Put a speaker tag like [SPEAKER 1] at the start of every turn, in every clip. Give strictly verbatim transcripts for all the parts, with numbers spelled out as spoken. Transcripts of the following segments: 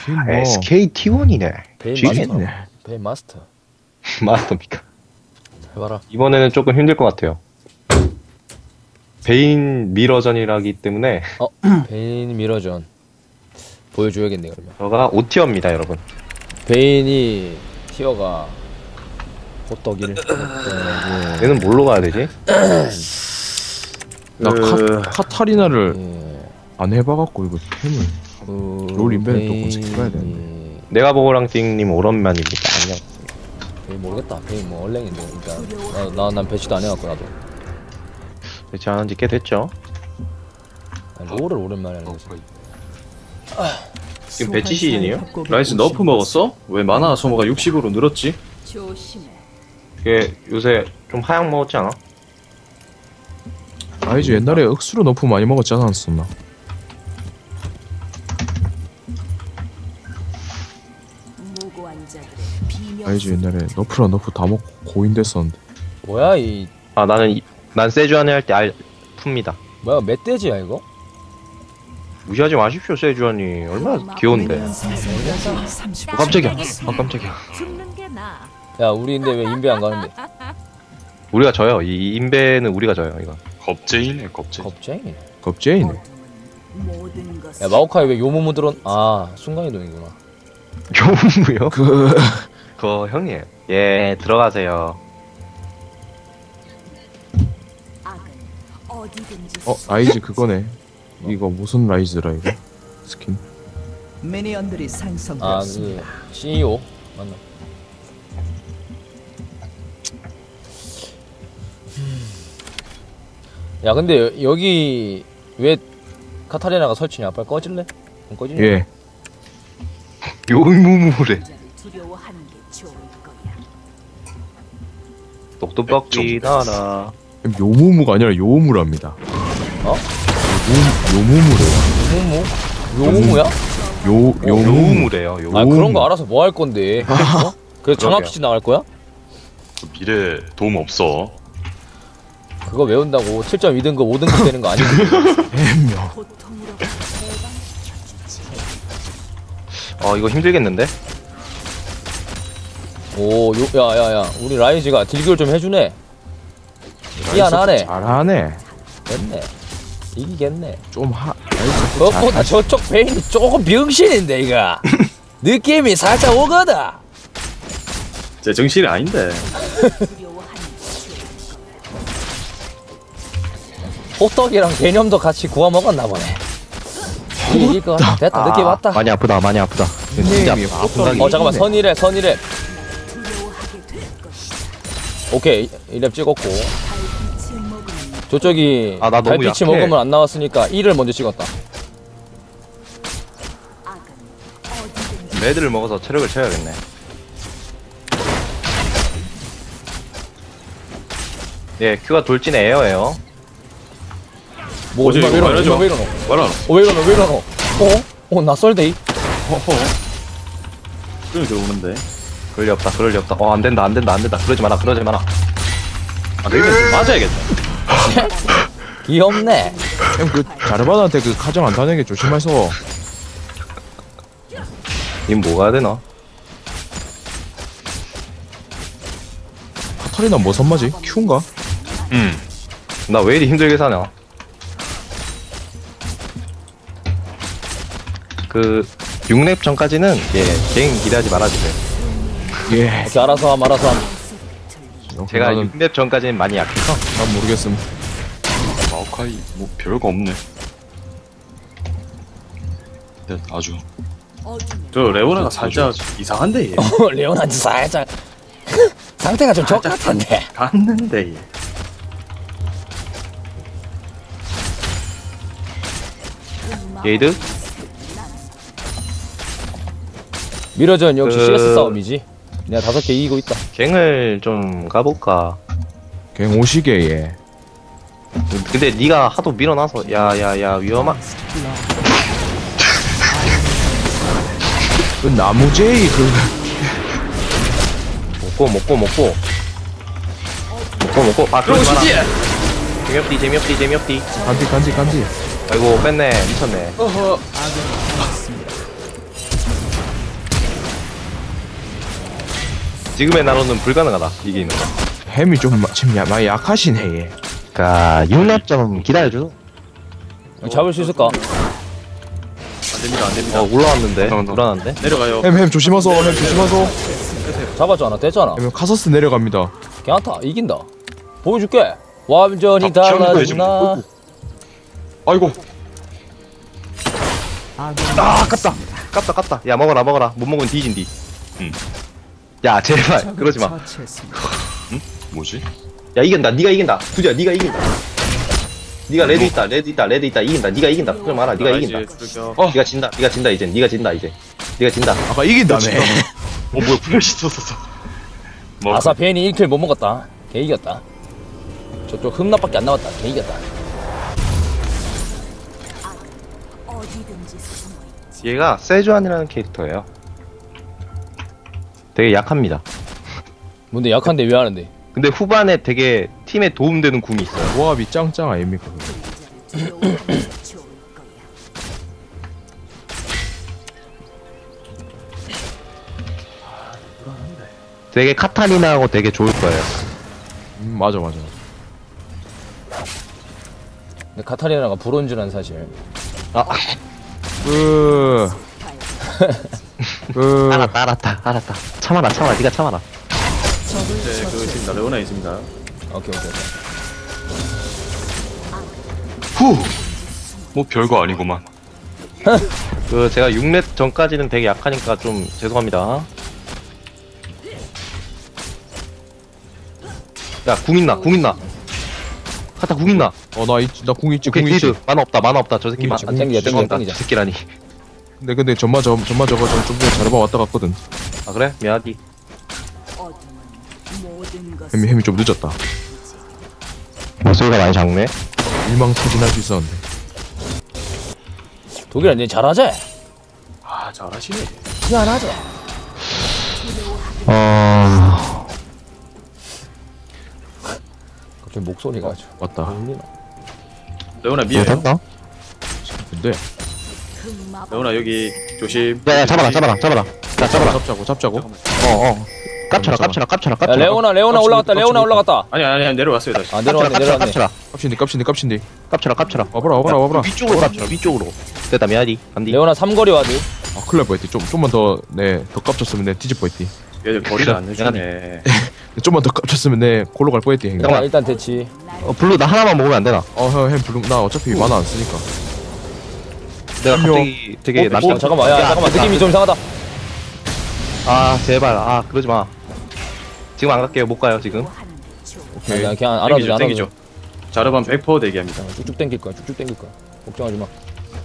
[SPEAKER 1] 뭐
[SPEAKER 2] 에스케이티원이네.
[SPEAKER 1] 쥐겠네.
[SPEAKER 3] 베인 마스터.
[SPEAKER 2] 마스터입니까?
[SPEAKER 3] 해봐라.
[SPEAKER 2] 이번에는 조금 힘들 것 같아요. 베인 미러전이라기 때문에
[SPEAKER 3] 어, 베인 미러전 보여줘야겠네 그러면.
[SPEAKER 2] 저가 오 티어입니다, 여러분.
[SPEAKER 3] 베인이 티어가 호떡이를.
[SPEAKER 2] 얘는 뭘로 가야 되지?
[SPEAKER 1] 나
[SPEAKER 4] 그...
[SPEAKER 1] 카, 카타리나를
[SPEAKER 3] 예.
[SPEAKER 1] 안 해봐갖고 이거 템을
[SPEAKER 3] 그...
[SPEAKER 1] 롤 인벤을 또 검색해봐야 되는데.
[SPEAKER 2] 내가 보고랑띵님 오랜만입니다. 안녕.
[SPEAKER 3] 베인 모르겠다. 베인 뭐 얼랭인데 일단 나난 배치도 안 해갖고 나도.
[SPEAKER 2] 배치 안 한 지 꽤 됐죠?
[SPEAKER 3] 아니, 롤을 오랜만에 하는 거지.
[SPEAKER 2] 지금 배치 시즌이에요?
[SPEAKER 4] 라이스 너프 먹었어? 왜 마나 소모가 육십으로 늘었지?
[SPEAKER 5] 조심해.
[SPEAKER 2] 이게 요새 좀 하향 먹었지 않아?
[SPEAKER 1] 라이즈 옛날에 억수로 너프 많이 먹었지 않았었나?
[SPEAKER 5] 무고한 자들의 비명.
[SPEAKER 1] 라이즈 옛날에 너프랑 너프 다 먹고 고인 됐었는데.
[SPEAKER 3] 뭐야 이
[SPEAKER 2] 아 나는 이, 난 세주안에 할 때 알 풉니다.
[SPEAKER 3] 뭐야 멧돼지야 이거?
[SPEAKER 2] 무시하지 마십시오, 세주안이 얼마나 귀여운데. 어, 깜짝이야. 아 깜짝이야.
[SPEAKER 5] 죽는 게 나.
[SPEAKER 3] 야 우리 근데 왜 인베 안 가는데?
[SPEAKER 2] 우리가 져요. 이 인베는 우리가 져요. 이거.
[SPEAKER 4] 겁쟁이네 겁쟁이.
[SPEAKER 3] 겁쟁이네.
[SPEAKER 1] 겁쟁이네.
[SPEAKER 5] 모든 것을
[SPEAKER 3] 야 마오카이 왜 요모모 들어? 아 순간이동이구나.
[SPEAKER 2] 교무요?
[SPEAKER 1] 그
[SPEAKER 2] 그거 형님. 예 들어가세요.
[SPEAKER 5] 악은 어디든지
[SPEAKER 1] 어 라이즈 그거네. 이거 무슨 라이즈라 이거? 스킨.
[SPEAKER 6] 미니언들이 생성되었습니다.
[SPEAKER 3] 아그 씨이오 맞나? 야 근데 여, 여기 왜 카타리나가 설치냐? 빨리 꺼질래? 안 꺼지냐?
[SPEAKER 1] 예.
[SPEAKER 2] 요무무래.
[SPEAKER 5] 자를 두려워하는 게 좋을 거야.
[SPEAKER 2] 똑똑박기 나라.
[SPEAKER 1] 요무무가 아니라 요무랍니다.
[SPEAKER 3] 어?
[SPEAKER 1] 요 요무무래요.
[SPEAKER 3] 요모모? 요모모야?
[SPEAKER 1] 요
[SPEAKER 2] 요,
[SPEAKER 1] 요무무.
[SPEAKER 2] 요무래요. 요.
[SPEAKER 3] 아 그런 거 알아서 뭐 할 건데? 어? 그래서 장학퀴즈 나갈 거야?
[SPEAKER 4] 미래 도움 없어.
[SPEAKER 3] 그거 외운다고 칠 점 이 등급 오 등급 되는 거 아니지?
[SPEAKER 1] 엠명.
[SPEAKER 5] 고통으로 대방시켜주지.
[SPEAKER 2] 어 이거 힘들겠는데?
[SPEAKER 3] 오, 요, 야, 야, 야, 우리 라이즈가 딜교를 좀 해주네. 희한하네.
[SPEAKER 1] 잘하네.
[SPEAKER 3] 됐네. 이기겠네.
[SPEAKER 1] 좀 하.
[SPEAKER 3] 그것보다 저쪽 베인이 조금 병신인데, 이거. 느낌이 살짝 오거든.
[SPEAKER 4] 제 정신이 아닌데.
[SPEAKER 5] 두려워하는 게 좋을 거야.
[SPEAKER 3] 호떡이랑 개념도 같이 구워 먹었나 보네. 이길 것 같아. 됐다, 느낌 왔다.
[SPEAKER 2] 많이 아프다. 많이 아프다. 진짜
[SPEAKER 1] 닉네임이
[SPEAKER 2] 아프다.
[SPEAKER 3] 어, 잠깐만, 선이래, 선이래.
[SPEAKER 5] 두려워하게 될 것이다.
[SPEAKER 3] 오케이, 이 랩 찍었고.
[SPEAKER 5] 달빛을 먹으면
[SPEAKER 3] 저쪽이
[SPEAKER 2] 아, 나 너무
[SPEAKER 3] 달빛이
[SPEAKER 2] 약해.
[SPEAKER 3] 먹으면 안 나왔으니까 이를 먼저 찍었다.
[SPEAKER 5] 악은 어디든지
[SPEAKER 2] 레드를 먹어서 체력을 채워야겠네. 예, 큐가 돌진 에어예요.
[SPEAKER 3] 뭐,
[SPEAKER 4] 뭐지,
[SPEAKER 3] 이마 왜
[SPEAKER 4] 이거
[SPEAKER 3] 이러노?
[SPEAKER 4] 말해줘.
[SPEAKER 3] 이마 왜 이러노?
[SPEAKER 4] 말아.
[SPEAKER 3] 어, 왜 이러노? 왜 이러노? 어? 어, 낯설데이?
[SPEAKER 4] 허허. 그럼 들어오는데.
[SPEAKER 2] 그럴 리 없다. 그럴 리 없다. 어, 안 된다. 안 된다. 안 된다. 그러지 마라. 그러지 마라.
[SPEAKER 4] 아 내가 좀 맞아야겠다.
[SPEAKER 3] 귀엽네.
[SPEAKER 1] 형 그 자르바나한테 그 가정 안 타는 게 조심해서.
[SPEAKER 2] 님 뭐가 되나?
[SPEAKER 1] 카타리나 뭐 선마지? 큐인가?
[SPEAKER 4] 음.
[SPEAKER 2] 나 왜 이리 힘들게 사냐? 그 육 렙 전까지는 예, 개인 기대하지 말아주세요.
[SPEAKER 1] 예.
[SPEAKER 3] 이렇게 알아서 함, 알아서 함.
[SPEAKER 2] 제가
[SPEAKER 1] 나는
[SPEAKER 2] 육 렙 전까지는 많이 약해서
[SPEAKER 1] 난 모르겠음.
[SPEAKER 4] 마오카이 뭐 별거 없네. 네, 아주.
[SPEAKER 5] 어둠에
[SPEAKER 4] 저 레오나가 살짝 이상한데 얘.
[SPEAKER 3] 어, 레오나한테 살짝 상태가 좀 적같은데.
[SPEAKER 4] 갔는데 얘.
[SPEAKER 2] 게이드?
[SPEAKER 3] 미러전 역시
[SPEAKER 2] 그-
[SPEAKER 3] 씨에스 싸움이지. 내가 다섯 개 이기고 있다.
[SPEAKER 2] 갱을 좀 가볼까?
[SPEAKER 1] 갱 오시게 예.
[SPEAKER 2] 근데 네가 하도 밀어놔서 야야야 위험한.
[SPEAKER 1] 그 나무제이 그
[SPEAKER 2] 먹고 먹고 먹고 먹고 먹고 아 그러지 마라. 재미없디 재미없디 재미없디.
[SPEAKER 1] 간디 간디 간디.
[SPEAKER 2] 아이고 뺐네 미쳤네.
[SPEAKER 3] 어허.
[SPEAKER 2] 지금의 나로는 불가능하다 이기는 거.
[SPEAKER 1] 햄이 좀 마- 지금 야, 많이 약하시네 얘.
[SPEAKER 7] 그니까 육 렙 좀 기다려줘.
[SPEAKER 3] 잡을 수 있을까?
[SPEAKER 4] 안 됩니다, 안 됩니다.
[SPEAKER 2] 어 올라왔는데
[SPEAKER 4] 잠깐만.
[SPEAKER 2] 불안한데.
[SPEAKER 4] 내려가요.
[SPEAKER 1] 햄 햄 조심하소. 햄 조심하소.
[SPEAKER 3] 잡았잖아. 됐잖아.
[SPEAKER 1] 햄 카서스 내려갑니다.
[SPEAKER 3] 괜찮다. 이긴다. 보여줄게. 완전히
[SPEAKER 4] 아, 시험도 좀
[SPEAKER 3] 달라졌나?
[SPEAKER 1] 아이고.
[SPEAKER 2] 아 깝다 깝다 깝다. 야 먹어라 먹어라. 못 먹으면 뒤진디. 응. 야 제발 그러지 마.
[SPEAKER 6] 처치했습니다.
[SPEAKER 4] 뭐지?
[SPEAKER 2] 야 이긴다. 네가 이긴다. 두지야 네가 이긴다. 네가 레드 있다. 레드 있다. 레드 있다. 이긴다. 네가 이긴다. 그러지 마라. 네가 이긴다.
[SPEAKER 4] 출격.
[SPEAKER 1] 어.
[SPEAKER 2] 네가 진다. 네가 진다 이제. 네가 진다 이제. 네가 진다.
[SPEAKER 1] 아까 이긴다며.
[SPEAKER 4] 어 뭐야 플래시 떴었어. 뭐
[SPEAKER 3] 아싸 베인이 일 킬 못 먹었다. 개 이겼다. 저쪽 흠납밖에 안 남았다. 개 이겼다.
[SPEAKER 5] 어디든지 숨어 있지.
[SPEAKER 2] 얘가 세주안이라는 캐릭터예요. 되게 약합니다.
[SPEAKER 3] 뭔데 약한데 왜 하는데?
[SPEAKER 2] 근데 후반에 되게 팀에 도움되는 궁이 있어요.
[SPEAKER 1] 조합이 짱짱 아닙니까?
[SPEAKER 5] 두려워하는 게 좋을 거야.
[SPEAKER 7] 되게 카타리나하고 되게 좋을 거예요.
[SPEAKER 1] 음 맞아 맞아.
[SPEAKER 3] 근데 카타리나가 브론즈라는 사실.
[SPEAKER 1] 그. 그.
[SPEAKER 7] 알았다 알았다 알았다. 참아라 참아라 네가 참아라.
[SPEAKER 4] 이제 그 있습니다. 레오나 있습니다.
[SPEAKER 3] 오케이 오케이. 오케이.
[SPEAKER 4] 후. 뭐 별거 아니구만.
[SPEAKER 2] 그 제가 육 렙 전까지는 되게 약하니까 좀 죄송합니다. 야, 궁 있나? 궁 있나? 카타 궁 있나?
[SPEAKER 1] 어나나궁 있지
[SPEAKER 2] 오케이,
[SPEAKER 1] 궁 있지.
[SPEAKER 2] 게이드. 만화 없다. 만화 없다. 저 새끼
[SPEAKER 1] 궁
[SPEAKER 2] 만.
[SPEAKER 1] 있지,
[SPEAKER 3] 안 땡기자 땡기자
[SPEAKER 2] 죄송합니다.
[SPEAKER 3] 땡기자.
[SPEAKER 2] 저 새끼라니.
[SPEAKER 1] 근데 근데 전마 저 전마 저거 좀 전에 자르바 왔다 갔거든.
[SPEAKER 2] 아 그래? 미안하디.
[SPEAKER 5] 어둠은 모든 것을
[SPEAKER 1] 햄이 햄이 좀 늦었다.
[SPEAKER 7] 목소리가 많이 작네.
[SPEAKER 1] 일망타진할 수 있었는데.
[SPEAKER 3] 독일아 니 잘하지?
[SPEAKER 4] 아 잘하시네.
[SPEAKER 3] 희한하지?
[SPEAKER 7] 어...
[SPEAKER 3] 갑자기 목소리가 아주
[SPEAKER 1] 맞다.
[SPEAKER 3] 울리나?
[SPEAKER 4] 레오나 미에요.
[SPEAKER 7] 못했나?
[SPEAKER 1] 근데
[SPEAKER 5] 그 마법
[SPEAKER 4] 레오나 여기 조심.
[SPEAKER 7] 야야 잡아라 잡아라 잡아라. 자 잡아라.
[SPEAKER 1] 잡자고 잡자고.
[SPEAKER 7] 어어. 깝쳐라 깝쳐라 깝쳐라
[SPEAKER 3] 야
[SPEAKER 7] 깝쳐라.
[SPEAKER 3] 레오나 레오나
[SPEAKER 1] 깜짝이야,
[SPEAKER 3] 올라갔다 레오나
[SPEAKER 1] 깜짝이야.
[SPEAKER 3] 올라갔다.
[SPEAKER 4] 아니 아니 아니 내려왔어요 다시.
[SPEAKER 3] 아
[SPEAKER 7] 깝쳐라
[SPEAKER 3] 내려왔네
[SPEAKER 7] 깝쳐라
[SPEAKER 3] 내려왔네.
[SPEAKER 7] 깝쳐라.
[SPEAKER 1] 깝신디 깝신디 깝신디.
[SPEAKER 7] 깝쳐라 깝쳐라.
[SPEAKER 1] 와봐라 와봐라 와봐라.
[SPEAKER 2] 위쪽으로 깝쳐. 위쪽으로. 됐다. 미안하디. 안디.
[SPEAKER 3] 레오나 삼거리 와드.
[SPEAKER 1] 아 큰일 날 뻔했지. 좀 좀만 더네더 깝쳤으면 내 뒤질 뻔했지.
[SPEAKER 4] 얘들 거리를 안 내주네.
[SPEAKER 1] 좀만 더 깝쳤으면 내 골로 갈 뻔했지. 형님.
[SPEAKER 3] 야, 일단 대치.
[SPEAKER 7] 어 블루 나 하나만 먹으면 안 되나?
[SPEAKER 1] 어형 블룸 나 어차피 만화 안 쓰니까.
[SPEAKER 2] 내가
[SPEAKER 1] 한명.
[SPEAKER 2] 갑자기 되게
[SPEAKER 3] 어,
[SPEAKER 2] 남자.
[SPEAKER 3] 잠깐만 야, 잠깐만 느낌이 좀 이상하다.
[SPEAKER 2] 아 제발. 아 그러지 마. 지금 안 갈게요. 못 가요 지금.
[SPEAKER 5] 하는 게 좋을
[SPEAKER 1] 오케이.
[SPEAKER 3] 그냥 그냥 알아주자
[SPEAKER 4] 땡기죠 땡기죠.
[SPEAKER 3] 알아주자.
[SPEAKER 4] 자르반 백 퍼센트 대기합니다.
[SPEAKER 3] 쭉쭉 땡길 거야 쭉쭉 땡길 거야. 걱정하지 마.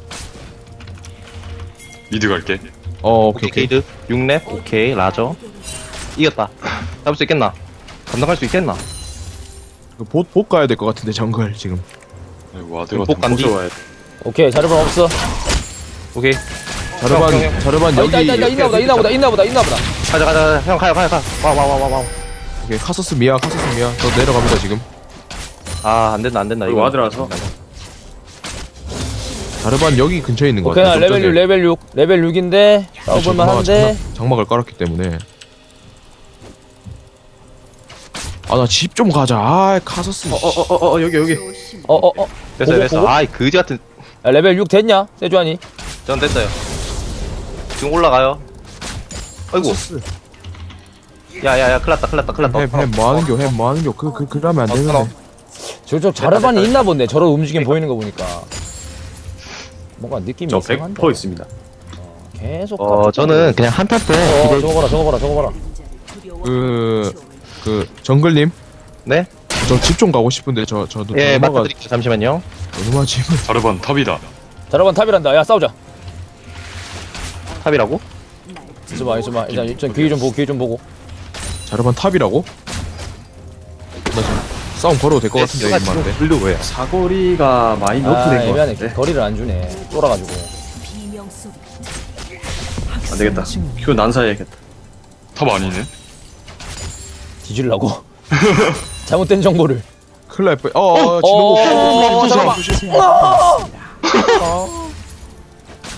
[SPEAKER 4] 미드 갈게.
[SPEAKER 1] 어
[SPEAKER 2] 오케이
[SPEAKER 1] 오케이 오케이.
[SPEAKER 2] 게이드. 육 렙. 오케이 라저. 이겼다. 잡을 수 있겠나? 감당할 수 있겠나?
[SPEAKER 1] 그봇봇 가야 될 것 같은데 정글 지금.
[SPEAKER 4] 아이고 와드가
[SPEAKER 2] 복 간디.
[SPEAKER 4] 좋아야 돼.
[SPEAKER 3] 오케이 자르반 없어.
[SPEAKER 2] 오케이.
[SPEAKER 1] 자르반
[SPEAKER 2] 형, 형.
[SPEAKER 1] 자르반
[SPEAKER 3] 아,
[SPEAKER 1] 여기.
[SPEAKER 3] 있다 있다 있다 있나 보다 있나 보다 있나 보다 있나 보다.
[SPEAKER 2] 가자 가자 가자. 형 가요 가요 가. 와 와 와 와 와.
[SPEAKER 1] 오케이 카서스 미야 카서스 미야. 저 내려갑니다 지금.
[SPEAKER 2] 아 안된다 안된다
[SPEAKER 4] 이거 와드라서.
[SPEAKER 1] 자르반 여기 근처에 있는 것
[SPEAKER 3] 오케이
[SPEAKER 1] 같아.
[SPEAKER 3] 나 레벨 육 레벨 육 레벨 육인데 싸워볼만 한데.
[SPEAKER 1] 장막을 깔았기 때문에. 아 나 집 좀 가자. 아 카서스.
[SPEAKER 4] 어어어어 여기 여기.
[SPEAKER 5] 조심.
[SPEAKER 3] 어어 어.
[SPEAKER 2] 됐어요
[SPEAKER 3] 보고,
[SPEAKER 2] 됐어.
[SPEAKER 3] 보고?
[SPEAKER 2] 아이 그지 같은.
[SPEAKER 3] 야, 레벨 육 됐냐 세주환이?
[SPEAKER 2] 전 됐어요. 지금 올라가요. 아이고. 야야야 큰났다 큰났다 큰났다.
[SPEAKER 1] 햄햄 뭐하는겨 햄 뭐하는겨. 그 그 그러면 안
[SPEAKER 2] 어,
[SPEAKER 1] 되는데.
[SPEAKER 2] 어.
[SPEAKER 3] 저쪽 자르반이 있나 본데 저런 움직임 보이는 거 보니까. 뭔가 느낌이
[SPEAKER 4] 저 백
[SPEAKER 3] 이상한데.
[SPEAKER 4] 퍼센트 있습니다.
[SPEAKER 3] 계속.
[SPEAKER 2] 어
[SPEAKER 3] 깝죽
[SPEAKER 2] 저는
[SPEAKER 7] 그냥 한타 때
[SPEAKER 3] 어
[SPEAKER 7] 기대.
[SPEAKER 3] 저거 봐라 저거 봐라 저거 봐라.
[SPEAKER 1] 그 그 정글님.
[SPEAKER 2] 네?
[SPEAKER 1] 저 집 좀 가고 싶은데 저 저도
[SPEAKER 2] 예
[SPEAKER 1] 누나가
[SPEAKER 2] 맡겨드릴게요. 잠시만요.
[SPEAKER 1] 누나 집을.
[SPEAKER 4] 자르반 탑이다.
[SPEAKER 3] 자르반 탑이란다. 야 싸우자.
[SPEAKER 2] 탑이라고?
[SPEAKER 3] 있어봐 있어봐 일단 일단 귀 좀 보고 귀 좀 보고.
[SPEAKER 1] 자르반 탑이라고? 나 지금 싸움 걸어도 될 것 같은데
[SPEAKER 2] S가
[SPEAKER 1] 임마인데.
[SPEAKER 2] 지금 불려 왜?
[SPEAKER 4] 사거리가 많이
[SPEAKER 3] 아
[SPEAKER 4] 높은 것
[SPEAKER 3] 애매하네.
[SPEAKER 4] 같은데.
[SPEAKER 3] 거리를 안 주네. 쫄아가지고.
[SPEAKER 5] 비명 소리.
[SPEAKER 4] 안 되겠다. 큐 난사해야겠다. 탑 아니네.
[SPEAKER 3] 뒤질라고. 잘못된 정보를.
[SPEAKER 1] 큰일 날 뻔. 어어
[SPEAKER 3] 어,
[SPEAKER 1] 진호.
[SPEAKER 3] 어, 잠깐만.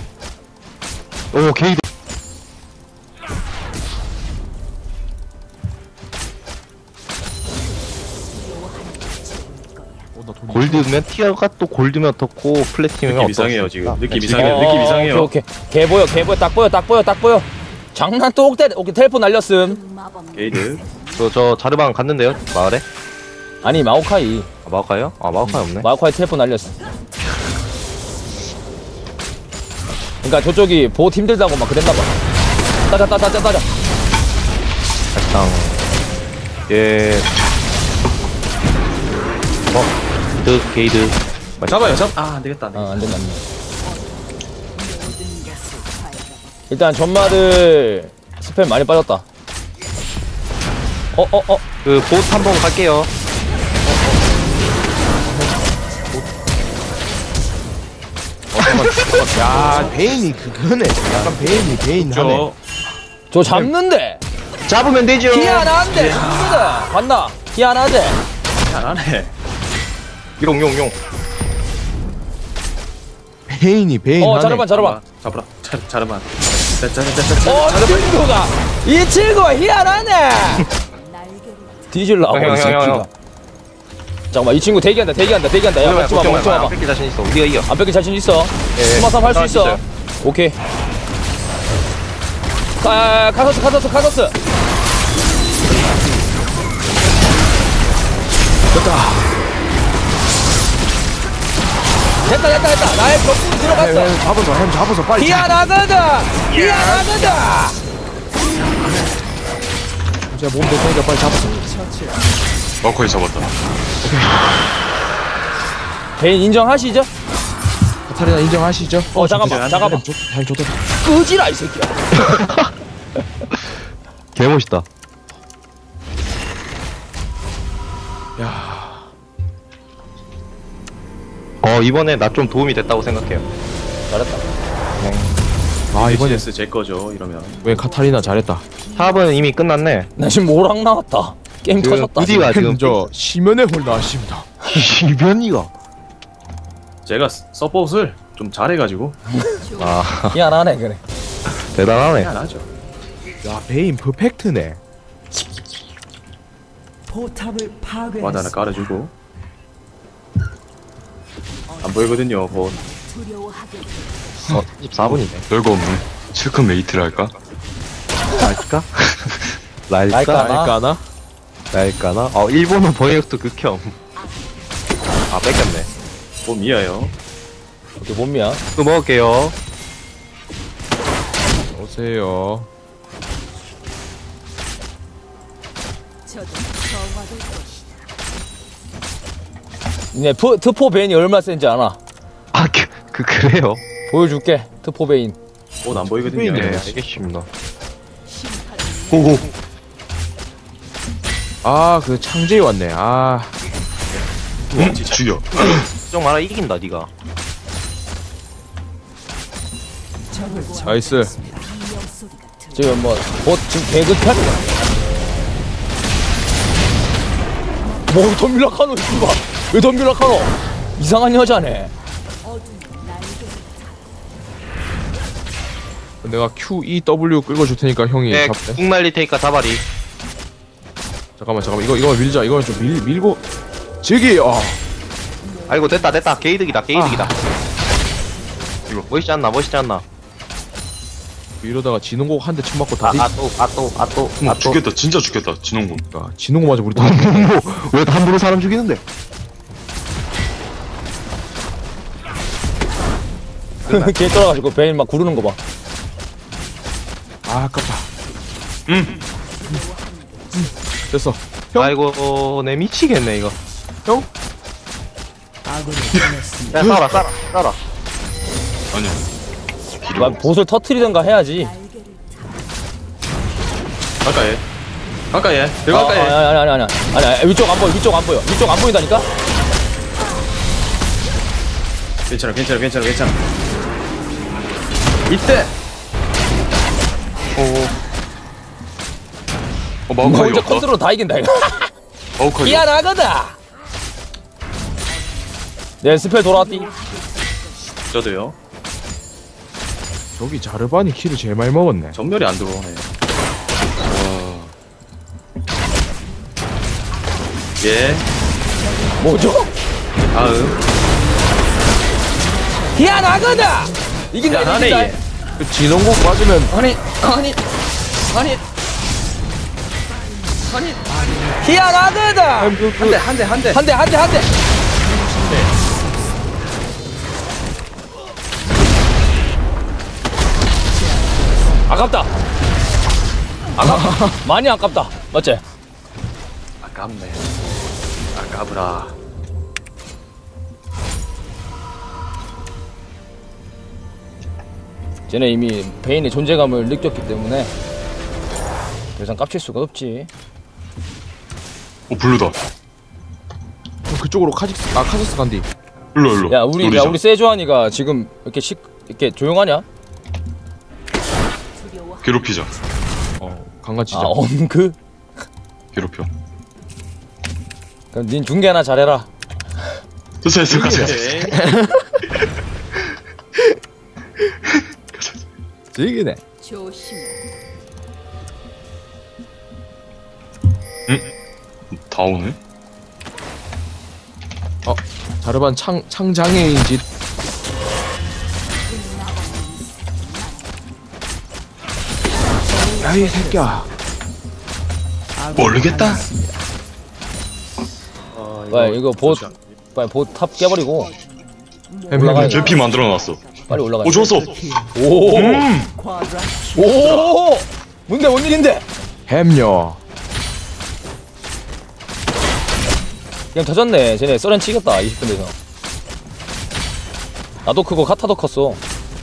[SPEAKER 7] 오 게이드.
[SPEAKER 1] 어, 나 돈
[SPEAKER 7] 골드면 티어가 또 골드면 어떻고 플래티넘이면
[SPEAKER 4] 느낌 이상해요 지금.
[SPEAKER 7] 어떻습니까?
[SPEAKER 4] 느낌
[SPEAKER 7] 네,
[SPEAKER 4] 이상해요.
[SPEAKER 3] 어,
[SPEAKER 4] 느낌 이상해요.
[SPEAKER 3] 오케이 오케이. 개 보여 개 보여 딱 보여 딱 보여 딱 보여. 장난 또 옥대 오케이 텔폰 날렸음.
[SPEAKER 5] 흑마법
[SPEAKER 4] 게이드.
[SPEAKER 7] 저, 저 자르방 갔는데요 마을에?
[SPEAKER 3] 아니 마오카이
[SPEAKER 7] 아 마오카이요? 아 마오카이 없네.
[SPEAKER 3] 마오카이 텔폰 날렸어. 그러니까 저쪽이 보호 힘들다고 막 그랬나 봐. 따자 따자 따자 따자.
[SPEAKER 7] 사실상 예. 어? 드 게이드.
[SPEAKER 4] 잡아요 잡. 아 안되겠다. 안 되겠다.
[SPEAKER 3] 어 안된다 안된다. 일단 전마들 스팸 많이 빠졌다. 어 어 어.
[SPEAKER 7] 그 보트 한번 갈게요.
[SPEAKER 1] 야 베인이 그거네. 약간 베인이 베인 하네.
[SPEAKER 4] 저
[SPEAKER 3] 저 잡는데.
[SPEAKER 7] 잡으면 되죠.
[SPEAKER 3] 희한한데 잡는데. 봤나? 희한하대.
[SPEAKER 4] 잘하네.
[SPEAKER 7] 용용용.
[SPEAKER 1] 베인이 베인
[SPEAKER 3] 어
[SPEAKER 1] 하네.
[SPEAKER 3] 자르반 자르반.
[SPEAKER 4] 잡아라. 자, 자르만. 자자자자자.
[SPEAKER 3] 어 친구가 이 친구가 희한하네.
[SPEAKER 5] 날개를
[SPEAKER 3] 뒤질라고
[SPEAKER 7] 형,
[SPEAKER 3] 이
[SPEAKER 7] 형, 형,
[SPEAKER 3] 새끼가.
[SPEAKER 7] 형.
[SPEAKER 3] 잠깐만 이 친구 대기한다 대기한다 대기한다. 야 멈춰봐 멈춰봐.
[SPEAKER 7] 뺏길 자신 있어. 우리가 이겨.
[SPEAKER 3] 안 뺏길 자신 있어.
[SPEAKER 7] 예,
[SPEAKER 3] 스마삼 할 수 있어.
[SPEAKER 7] 있어요.
[SPEAKER 3] 오케이. 가 카서스 카서스 카서스. 됐다 됐다 됐다. 나의 벽구 들어갔어.
[SPEAKER 1] 해, 잡아서 햄 잡아서 빨리.
[SPEAKER 3] 희한하거든. 희한하거든.
[SPEAKER 1] 제가 몸 대표니까 빨리 잡아서.
[SPEAKER 8] 마커에 잡았다.
[SPEAKER 3] 개인 인정하시죠?
[SPEAKER 1] 카타리나 인정하시죠?
[SPEAKER 3] 어 잠깐만 잠깐만.
[SPEAKER 1] 햄 좋- 햄 좋다.
[SPEAKER 3] 끄지라 이 새끼야.
[SPEAKER 7] 개 멋있다.
[SPEAKER 1] 야
[SPEAKER 7] 어 이번에 나 좀 도움이 됐다고 생각해요.
[SPEAKER 3] 잘했다.
[SPEAKER 1] 아 이번에
[SPEAKER 4] 이번에 제 거죠 이러면.
[SPEAKER 1] 왜 카타리나 잘했다.
[SPEAKER 7] 사업은 이미 끝났네.
[SPEAKER 3] 나 지금 오락 나왔다. 게임
[SPEAKER 7] 그
[SPEAKER 3] 터졌다.
[SPEAKER 7] 부디가 지금
[SPEAKER 1] 저 심연의 홀 나왔습니다.
[SPEAKER 7] 이변이가.
[SPEAKER 4] 제가 서폿을 좀 잘해가지고
[SPEAKER 7] 아
[SPEAKER 3] 희한하네 그래.
[SPEAKER 7] 대단하네.
[SPEAKER 4] 미안하죠.
[SPEAKER 1] 야 베인 퍼펙트네.
[SPEAKER 6] 포탑을
[SPEAKER 4] 와드 하나
[SPEAKER 6] 파괴했습니다.
[SPEAKER 4] 깔아주고. 안 보이거든요 뭐.
[SPEAKER 5] 두려워하게
[SPEAKER 7] 어 십사 분이네.
[SPEAKER 8] 별거 없네. 실컷 메이트를 할까?
[SPEAKER 7] 랄까? 랄까?
[SPEAKER 3] 랄까?
[SPEAKER 1] 알까나?
[SPEAKER 7] 랄까나? 어 일본어 번역도 극혐. 아 뺏겼네.
[SPEAKER 4] 뭐 미아요.
[SPEAKER 3] 오케이 몸이야.
[SPEAKER 7] 또 먹을게요.
[SPEAKER 1] 오세요.
[SPEAKER 5] 저도 정화될 것이다.
[SPEAKER 3] 네 프, 트포 베인이 얼마 센지 아나?
[SPEAKER 7] 아 그, 그 그래요?
[SPEAKER 3] 보여줄게. 트포 베인.
[SPEAKER 4] 옷안 보이거든요.
[SPEAKER 1] 네.
[SPEAKER 7] 네 알겠습니다.
[SPEAKER 5] 심판은
[SPEAKER 7] 오호.
[SPEAKER 1] 아 그 창제이 왔네. 아
[SPEAKER 8] 죽여.
[SPEAKER 7] 걱정 마라 이긴다 니가.
[SPEAKER 6] 적을
[SPEAKER 1] 나이스.
[SPEAKER 5] 비명 소리가 들려.
[SPEAKER 3] 지금 뭐 보, 지금 개급하네. 뭐 덤빌락하노 이봐. 왜 덤빌락하노? 이상한 여자네.
[SPEAKER 5] 어둠의 날개를
[SPEAKER 1] 내가 Q, E, W 끌고 줄 테니까 형이
[SPEAKER 7] 네
[SPEAKER 1] 잡대.
[SPEAKER 7] 국 날릴 테니까 다발이.
[SPEAKER 1] 잠깐만 잠깐만 이거 이거 밀자. 이거 좀 밀 밀고. 저기 어.
[SPEAKER 7] 아이고 됐다 됐다 게이득이다 게이득이다. 이거 멋있지 않나 멋있지 않나.
[SPEAKER 1] 이러다가 진홍곡 한 대 침 맞고 다리.
[SPEAKER 7] 아또아또아또아또
[SPEAKER 8] 어머, 죽겠다. 진짜 죽겠다. 진홍군.
[SPEAKER 1] 아, 진홍곡 맞아 우리 다.
[SPEAKER 7] 왜 함부로 사람 죽이는데?
[SPEAKER 3] 걔 떨어가지고 베인 막 구르는 거 봐.
[SPEAKER 1] 아 아깝다. 음. 됐어. 형?
[SPEAKER 7] 아이고 내 미치겠네 이거.
[SPEAKER 6] 아군을 보냈습니다.
[SPEAKER 7] 야 싸라 싸라 싸라.
[SPEAKER 8] 아니야.
[SPEAKER 3] 막 보슬 터트리던가 해야지.
[SPEAKER 5] 날개를
[SPEAKER 4] 가까이. 가까이.
[SPEAKER 3] 아,
[SPEAKER 4] 더 가까이.
[SPEAKER 3] 아니 아니 아니 아니 아니 아니 위쪽 안 보여 위쪽 안 보여 위쪽 안 보인다니까.
[SPEAKER 4] 괜찮아 괜찮아 괜찮아 괜찮아. 이때.
[SPEAKER 8] 어,
[SPEAKER 3] 너
[SPEAKER 8] 마우카이
[SPEAKER 3] 혼자
[SPEAKER 8] 없다.
[SPEAKER 3] 컨트롤 다 이긴다 이거.
[SPEAKER 8] 마우카이.
[SPEAKER 3] 희한하거든. 내 스펠 돌아왔디.
[SPEAKER 4] 저도요.
[SPEAKER 1] 저기 자르반이 키를 제일 많이 먹었네.
[SPEAKER 4] 전멸이 안 들어오네.
[SPEAKER 8] 와.
[SPEAKER 4] 예.
[SPEAKER 3] 뭐죠?
[SPEAKER 4] 다음.
[SPEAKER 3] 희한하거든. 이긴다
[SPEAKER 4] 야,
[SPEAKER 3] 이긴다.
[SPEAKER 4] 하네,
[SPEAKER 1] 그 진홍국 빠지면
[SPEAKER 4] 아니, 아니, 아니. 아니.
[SPEAKER 3] 희한하거든.
[SPEAKER 4] 한 대, 한 대, 한 대.
[SPEAKER 3] 한 대 한 대 한 대. 아깝다. 아깝다. 많이 아깝다. 맞지?
[SPEAKER 4] 아깝네. 아까브라.
[SPEAKER 3] 쟤네 이미 베인의 존재감을 느꼈기 때문에 더 이상 깝칠 수가 없지.
[SPEAKER 8] 어 블루다.
[SPEAKER 1] 그쪽으로 카직스 아 카직스 간디.
[SPEAKER 8] 일로 일로.
[SPEAKER 3] 야 우리
[SPEAKER 8] 노리자.
[SPEAKER 3] 야 우리 세주환이가 지금 이렇게 식 이렇게 조용하냐?
[SPEAKER 5] 두려워.
[SPEAKER 8] 괴롭히자.
[SPEAKER 1] 어 강간치자.
[SPEAKER 3] 아 엄그?
[SPEAKER 8] 괴롭혀.
[SPEAKER 3] 그럼 닌 중계나 잘해라.
[SPEAKER 8] 됐어 됐어 가자.
[SPEAKER 4] 오케이.
[SPEAKER 1] 되게네.
[SPEAKER 5] 조심해.
[SPEAKER 8] 다 오네.
[SPEAKER 1] 어 자르반 창 창장애인 짓. 야이 새끼야.
[SPEAKER 8] 모르겠다.
[SPEAKER 4] 어,
[SPEAKER 3] 빨리 이거 보 빨리 보탑 깨버리고 올라가야 돼.
[SPEAKER 8] 제피 만들어놨어.
[SPEAKER 3] 빨리 올라가.
[SPEAKER 8] 오 좋았어.
[SPEAKER 3] 오.
[SPEAKER 8] 음.
[SPEAKER 6] 쿼드라
[SPEAKER 3] 오. 뭔데 뭔 일인데?
[SPEAKER 1] 햄요.
[SPEAKER 3] 그냥 터졌네. 쟤네 썰은 치겠다. 이십 분에서. 나도 크고 카타도 컸어.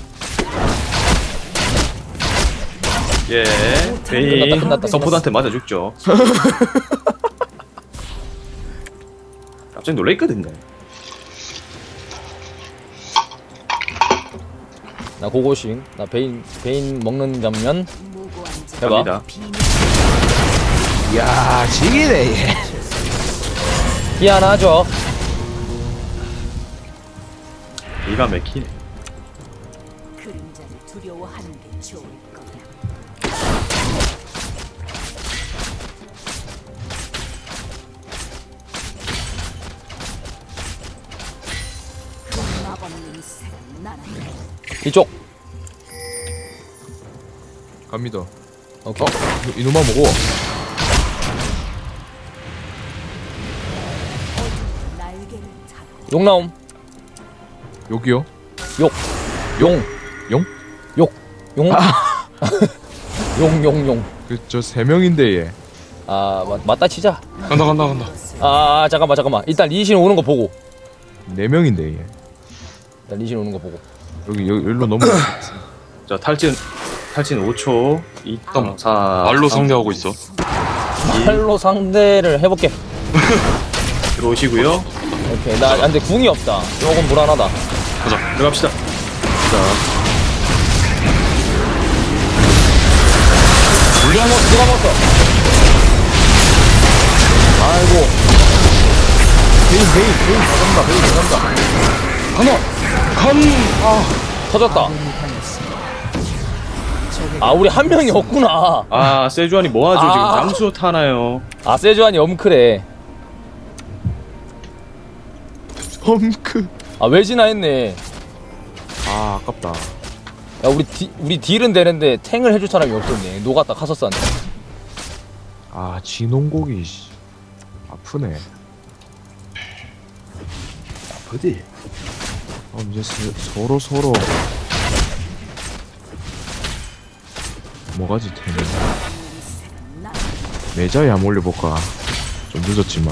[SPEAKER 4] 예.
[SPEAKER 3] 끝났다,
[SPEAKER 4] 베인
[SPEAKER 3] 끝났다,
[SPEAKER 4] 서포트한테 맞아 죽죠. 깜짝 놀랬거든요.
[SPEAKER 3] 나 고고싱. 나 베인 베인 먹는 장면.
[SPEAKER 5] 무고한 자.
[SPEAKER 3] 해봐.
[SPEAKER 4] 갑니다.
[SPEAKER 1] 야 지기네 얘.
[SPEAKER 3] 희한하죠.
[SPEAKER 4] 이가 맥히네.
[SPEAKER 5] 그림자를 두려워하는 게 좋을 거야. 마법 냄새가 나네.
[SPEAKER 3] 이쪽.
[SPEAKER 1] 갑니다.
[SPEAKER 3] 오케이.
[SPEAKER 1] 어 이- 이놈아 먹어.
[SPEAKER 5] 날개를 타고
[SPEAKER 3] 용 나옴.
[SPEAKER 1] 여기요.
[SPEAKER 3] 욕. 용.
[SPEAKER 1] 용?
[SPEAKER 3] 욕. 용. 용, 용, 용.
[SPEAKER 1] 그 저 세 명인데 얘.
[SPEAKER 3] 아, 맞, 맞다 치자.
[SPEAKER 8] 간다 간다 간다.
[SPEAKER 3] 아, 아, 잠깐만, 잠깐만. 일단 리신 오는 거 보고.
[SPEAKER 1] 네 명인데 얘.
[SPEAKER 3] 일단 리신 오는 거 보고.
[SPEAKER 1] 여기 여기 일로 넘어.
[SPEAKER 4] 자 탈진 탈진 오 초. 이 사.
[SPEAKER 8] 말로 상대하고 있어.
[SPEAKER 3] 팔로 상대를 해볼게.
[SPEAKER 4] 들어오시고요.
[SPEAKER 3] 오케이. 나, 근데 궁이 없다. 조금 불안하다.
[SPEAKER 8] 가자.
[SPEAKER 4] 들어갑시다. 자.
[SPEAKER 3] 누가 먹, 누가 먹었어? 아이고.
[SPEAKER 1] 베인 베인 베인 잘한다 베인 잘한다.
[SPEAKER 3] 터졌다. 아, 우리 한 명이 없구나.
[SPEAKER 4] 아 세주안이 뭐하죠 지금
[SPEAKER 3] 아.
[SPEAKER 4] 잠수 타나요?
[SPEAKER 3] 아, 세주안이 엄크래.
[SPEAKER 1] 험크.
[SPEAKER 3] 아, 외진아 했네.
[SPEAKER 1] 아 아깝다.
[SPEAKER 3] 야, 우리 디, 우리 딜은 되는데 탱을 해줄 사람이 없었네. 녹았다 카서스한테.
[SPEAKER 1] 아 진홍고기 씨. 아프네.
[SPEAKER 4] 어디?
[SPEAKER 1] 어 이제 스, 서로 서로 뭐가지 테네. 매자에 안 올려볼까. 좀 늦었지만.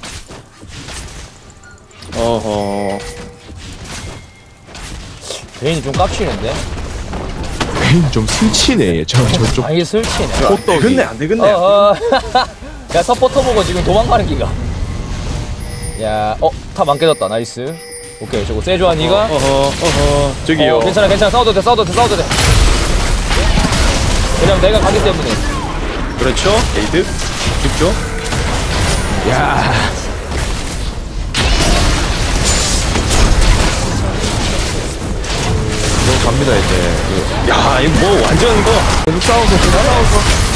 [SPEAKER 4] 어허.
[SPEAKER 3] 베인이 좀 깝치는데?
[SPEAKER 1] 베인 좀 스치네 얘. 저 저쪽
[SPEAKER 3] 아, 이게 설치네.
[SPEAKER 1] 호떡이.
[SPEAKER 4] 되겠네 안 되겠네.
[SPEAKER 3] 어, 어. 야, 서포터 보고 지금 도망가는 기가. 야, 어, 탑 안 깨졌다. 나이스. 오케이, 저거 세주안이가.
[SPEAKER 4] 어허 어허. 저기요.
[SPEAKER 3] 어, 괜찮아, 괜찮아. 싸워도 돼, 싸워도 돼, 싸워도 돼. 왜냐면 내가 가기 때문에.
[SPEAKER 4] 그렇죠. 에이드 죽죠.
[SPEAKER 1] 야. 너 갑니다 이제.
[SPEAKER 4] 야 이거 뭐 완전 이거.
[SPEAKER 1] 계속 싸워서 계속 싸워서.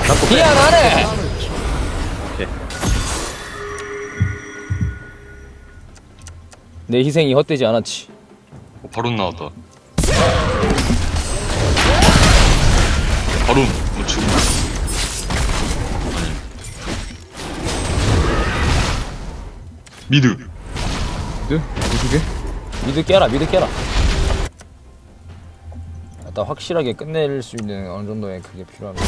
[SPEAKER 3] 미안하네. 내 희생이 헛되지 않았지.
[SPEAKER 8] 어, 바론 나왔다. 바론 뭐 지금 아니 미드.
[SPEAKER 1] 미드? 두 개?
[SPEAKER 3] 미드 깨라, 미드 깨라. 일단 확실하게 끝낼 수 있는 어느 정도의 그게 필요합니다.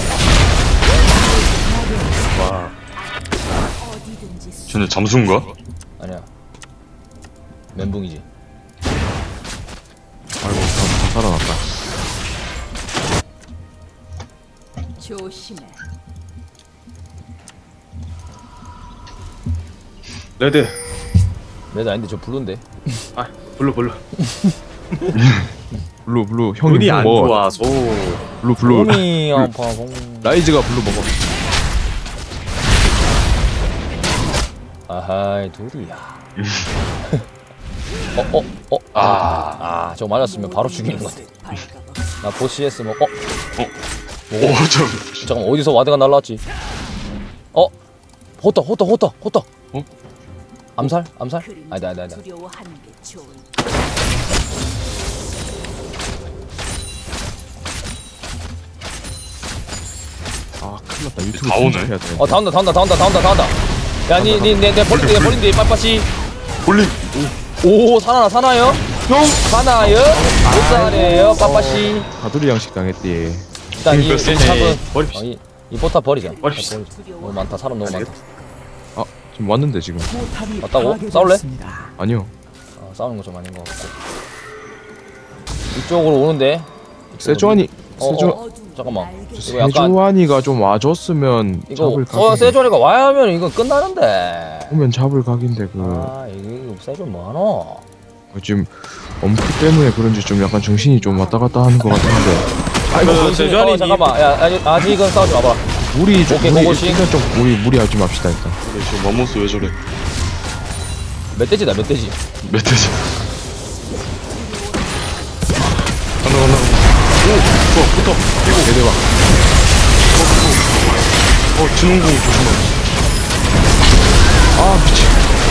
[SPEAKER 4] 와.
[SPEAKER 5] 어디든지
[SPEAKER 8] 쟤네 잠수인가?
[SPEAKER 3] 아니야. 멘붕이지.
[SPEAKER 1] 아이고 다, 다 살아났다.
[SPEAKER 5] 조심해.
[SPEAKER 4] 레드.
[SPEAKER 3] 레드 아닌데 저 블루인데.
[SPEAKER 4] 아 블루 블루.
[SPEAKER 1] 블루 블루 형이
[SPEAKER 4] 눈이
[SPEAKER 1] 블루
[SPEAKER 4] 안
[SPEAKER 1] 먹어.
[SPEAKER 4] 좋아서.
[SPEAKER 1] 블루 블루.
[SPEAKER 3] 몸이 아파서.
[SPEAKER 1] 라이즈가 블루 먹어.
[SPEAKER 3] 아하이 둘이야. 어, 어, 어. 아, 아, 저거 맞았으면 바로 죽이는 건데. 나 보시에스 뭐, 어,
[SPEAKER 8] 오, 저
[SPEAKER 3] 잠깐 어디서 와드가 날라왔지? 어, 호떡, 호떡, 호떡, 호떡.
[SPEAKER 8] 어?
[SPEAKER 3] 암살, 암살? 아니다, 아니다, 아니다.
[SPEAKER 5] 두려워하는 게 좋을
[SPEAKER 1] 아 큰일 났다. 유튜브
[SPEAKER 8] 다 오네.
[SPEAKER 1] 편집해야 돼.
[SPEAKER 3] 어, 다 온다, 다 온다, 다 온다, 다 온다, 다 온다. 야, 니, 니, 내, 내 버린데, 내 버린데, 빠빠시.
[SPEAKER 8] 볼링.
[SPEAKER 3] 오, 사나나, 사나요? 형, 사나요? 못 사네요, 빠빠시.
[SPEAKER 1] 가두리 양식 당했디.
[SPEAKER 3] 일단 이, 이 탑은,
[SPEAKER 4] 버립시다.
[SPEAKER 3] 어, 이, 이 포탑 버리자.
[SPEAKER 4] 버립시다.
[SPEAKER 3] 너무 많다, 사람 너무 많다.
[SPEAKER 1] 아 지금 왔는데 지금.
[SPEAKER 6] 포탑이
[SPEAKER 3] 맞다고?
[SPEAKER 6] 파괴되었습니다.
[SPEAKER 1] 아니요.
[SPEAKER 3] 어, 싸우는 거 좀 아닌 것 같고. 이쪽으로 오는데.
[SPEAKER 1] 세주안이
[SPEAKER 3] 어,
[SPEAKER 1] 세주
[SPEAKER 3] 어, 잠깐만. 이거 약간
[SPEAKER 1] 세주안이가 좀 와줬으면
[SPEAKER 3] 이거
[SPEAKER 1] 잡을
[SPEAKER 3] 어,
[SPEAKER 1] 각인데.
[SPEAKER 3] 세조리가 와야 하면 이거 끝나는데.
[SPEAKER 1] 오면 잡을 각인데 그
[SPEAKER 3] 아 이거 세조 뭐하노?
[SPEAKER 1] 지금 엄크 때문에 그런지 좀 약간 정신이 좀 왔다 갔다 하는 것 같은데.
[SPEAKER 3] 아이고
[SPEAKER 4] 그 세조안이
[SPEAKER 3] 어, 잠깐만. 야 아직, 아직은 싸우지 마봐.
[SPEAKER 1] 무리 좀
[SPEAKER 3] 오케이,
[SPEAKER 1] 무리
[SPEAKER 3] 그거씩.
[SPEAKER 1] 일단 좀 무리 무리하지 맙시다 일단.
[SPEAKER 8] 근데 지금 마모스 왜 저래?
[SPEAKER 3] 멧돼지다 멧돼지.
[SPEAKER 8] 멧돼지. 간다 간다 간다. 오, 좋아, 붙어. 이거.
[SPEAKER 1] 대대박.
[SPEAKER 8] 어, 진홍공 조심하.
[SPEAKER 1] 아 미친.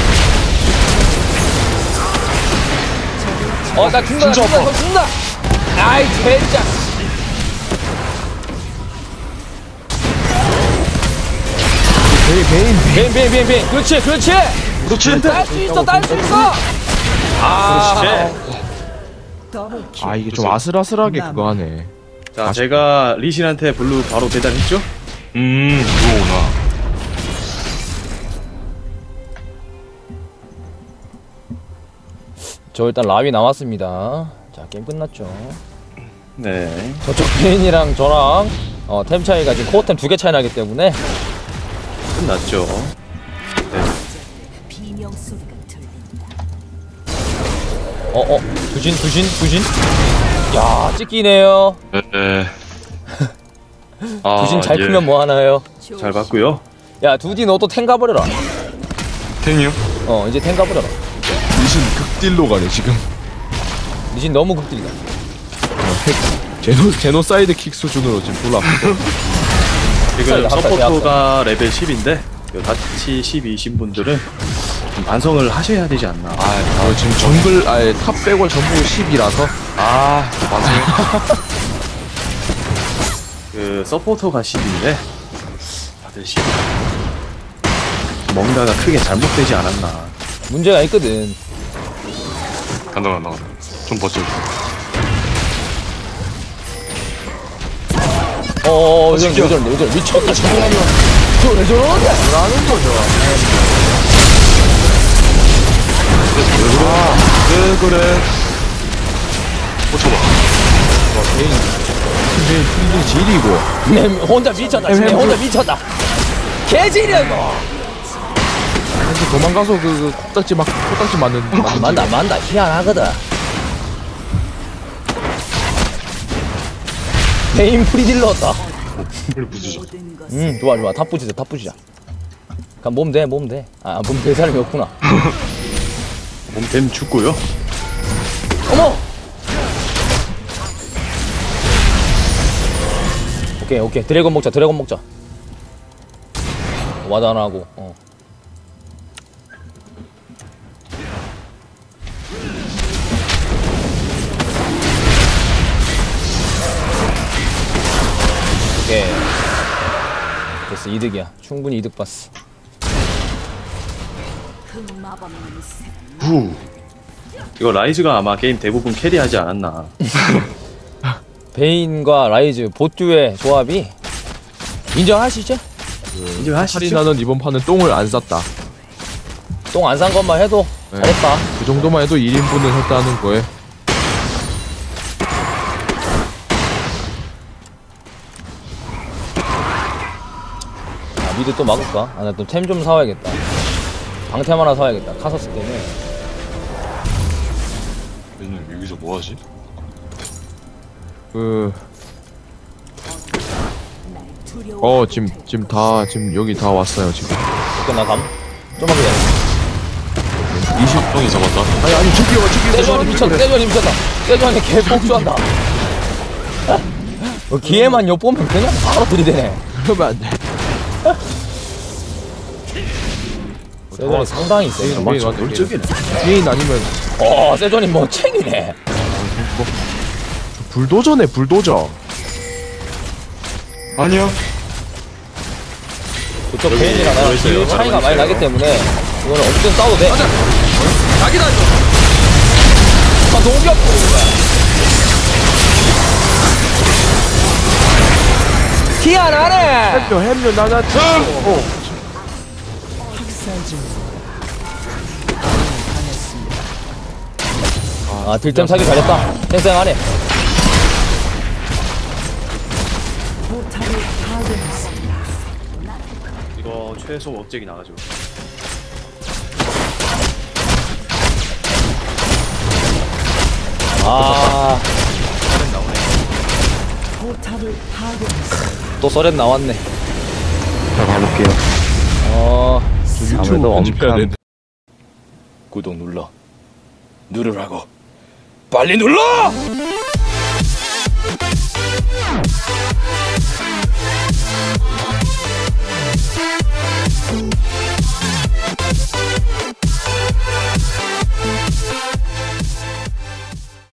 [SPEAKER 3] 어나 죽는다 나
[SPEAKER 8] 진짜
[SPEAKER 3] 죽는다
[SPEAKER 8] 아파.
[SPEAKER 3] 너 죽는다. 아이 젠장.
[SPEAKER 1] 베인 베인.
[SPEAKER 3] 베인 베인 베인 베인. 그렇지 그렇지.
[SPEAKER 8] 그렇지.
[SPEAKER 3] 딸 수 있어 딸 수 있어. 아.
[SPEAKER 6] 더블 킬.
[SPEAKER 1] 아 이게 좀 아슬아슬하게 그거 하네.
[SPEAKER 4] 자 제가 리신한테 블루 바로 배달했죠?
[SPEAKER 8] 음, 그거구나.
[SPEAKER 3] 저 일단 라위 나왔습니다. 자 게임 끝났죠.
[SPEAKER 4] 네.
[SPEAKER 3] 저쪽 베인이랑 저랑 어, 템 차이가 지금 코어템 두 개 차이 나기 때문에
[SPEAKER 4] 끝났죠.
[SPEAKER 5] 비명 소리가 들린다.
[SPEAKER 3] 어어 두신 두신 두신 야 찍기네요.
[SPEAKER 8] 네. 네. 아,
[SPEAKER 3] 두신 잘
[SPEAKER 8] 예.
[SPEAKER 3] 크면 뭐 하나요?
[SPEAKER 4] 잘 봤고요.
[SPEAKER 3] 야 두디 너도 탱 가버려라.
[SPEAKER 8] 탱이요?
[SPEAKER 3] 어 이제 탱 가버려라.
[SPEAKER 1] 리신 극딜로 가네 지금.
[SPEAKER 3] 니진 너무 극딜이다.
[SPEAKER 1] 제노 제노사이드 킥 수준으로 지금 졸라.
[SPEAKER 4] 지금
[SPEAKER 3] 합사이다, 합사이다,
[SPEAKER 4] 서포터가 레벨 십인데 같이 십이신 분들은 좀 반성을 하셔야 되지 않나.
[SPEAKER 1] 아, 아 지금 정글 아예 탑 빼고 전부 십이라서.
[SPEAKER 8] 아, 맞아요.
[SPEAKER 4] 그 서포터가 십인데 다들 십. 뭔가가 크게 잘못되지 않았나.
[SPEAKER 3] 문제가 있거든.
[SPEAKER 8] 간다 간다 간다. 좀 버텨.
[SPEAKER 3] 어어 요즘 요즘 요즘 미쳤다 저거라면 저래 저러는데 뭐라는 거죠.
[SPEAKER 8] 왜 그래? 꽂혀봐.
[SPEAKER 1] 베인 베인 프리딜 질이고.
[SPEAKER 3] 내 혼자 미쳤다 지금 내 혼자 미쳤다. 개지려고.
[SPEAKER 1] 이제 도망가서 그, 그 콕딱지 막 콕딱지 맞는.
[SPEAKER 3] 안 만다 안 만다 희한하거든. 베인 프리딜러다.
[SPEAKER 8] 빨리 부수자.
[SPEAKER 5] 모든 것을
[SPEAKER 3] 음 좋아 좋아 탑 부시자 탑 부시자. 그럼 몸 돼 몸 돼. 아 몸 될 사람이 없구나.
[SPEAKER 4] 몸템 죽고요.
[SPEAKER 3] 어머. 오케이 오케이 드래곤 먹자 드래곤 먹자. 와드 하나 하고. 어. 오케이. 됐어, 이득이야. 충분히 이득 봤어.
[SPEAKER 5] 흑마법 새
[SPEAKER 4] 후. 이거 라이즈가 아마 게임 대부분 캐리하지 않았나.
[SPEAKER 3] 베인과 라이즈 보뚜의 조합이 인정하시죠?
[SPEAKER 4] 인정하시죠?
[SPEAKER 1] 카리나는 이번 판은 똥을 안 쌌다.
[SPEAKER 3] 똥 안 산 것만 해도
[SPEAKER 1] 네.
[SPEAKER 3] 잘했다.
[SPEAKER 1] 그 정도만 해도 일 인분은 했다는 거에.
[SPEAKER 3] 아, 미드 또 막을까? 아, 나 또 템 좀 사와야겠다. 방템 하나 사와야겠다. 카서스 때문에.
[SPEAKER 8] 얘는 여기서 뭐하지?
[SPEAKER 1] 그,
[SPEAKER 5] 날 두려워.
[SPEAKER 1] 어, 지금, 지금 다, 지금 여기 다 왔어요, 지금.
[SPEAKER 3] 오케이, 나 감. 좀만 기다려.
[SPEAKER 1] 이십
[SPEAKER 8] 형이 잡았다.
[SPEAKER 1] 아니, 아니, 저기요, 저기요.
[SPEAKER 3] 세주환이 미쳤다. 세주환이 미쳤다. 세주환이 개 복수한다. 어, 기회만 엿보면 그냥 바로 들이대네.
[SPEAKER 1] 그러면 안 돼.
[SPEAKER 3] 세주환이 상당히 세.
[SPEAKER 1] 베인
[SPEAKER 4] 맞죠?
[SPEAKER 1] 완전
[SPEAKER 4] 널쩍이네.
[SPEAKER 1] 베인 아니면
[SPEAKER 3] 어, 세주환이 뭐 챙이네.
[SPEAKER 1] 불도저네, 불도저.
[SPEAKER 8] 아니야.
[SPEAKER 3] 그쪽 베인이랑 나랑 길 차이가 많이 나기 때문에 이거는 어떻게 싸워도 돼. 맞아.
[SPEAKER 1] 자기다, 이거.
[SPEAKER 3] 아, 농협 부르는 거야. 티 안 하네.
[SPEAKER 1] 햄료, 햄료, 나나. 어.
[SPEAKER 6] 학살 중.
[SPEAKER 3] 아, 딜템 사기 잘했다. 쌩쌩하네.
[SPEAKER 6] 포탑을 파괴했습니다.
[SPEAKER 4] 이거 최소 업적이 나가지고.
[SPEAKER 3] 아,
[SPEAKER 6] 포탑을 파괴했습니다.
[SPEAKER 3] 또 썰엔 나왔네.
[SPEAKER 7] 자, 가볼게요.
[SPEAKER 3] 어,
[SPEAKER 7] 아무래도 엄청
[SPEAKER 3] 구독 눌러. 누르라고. 빨리 눌러!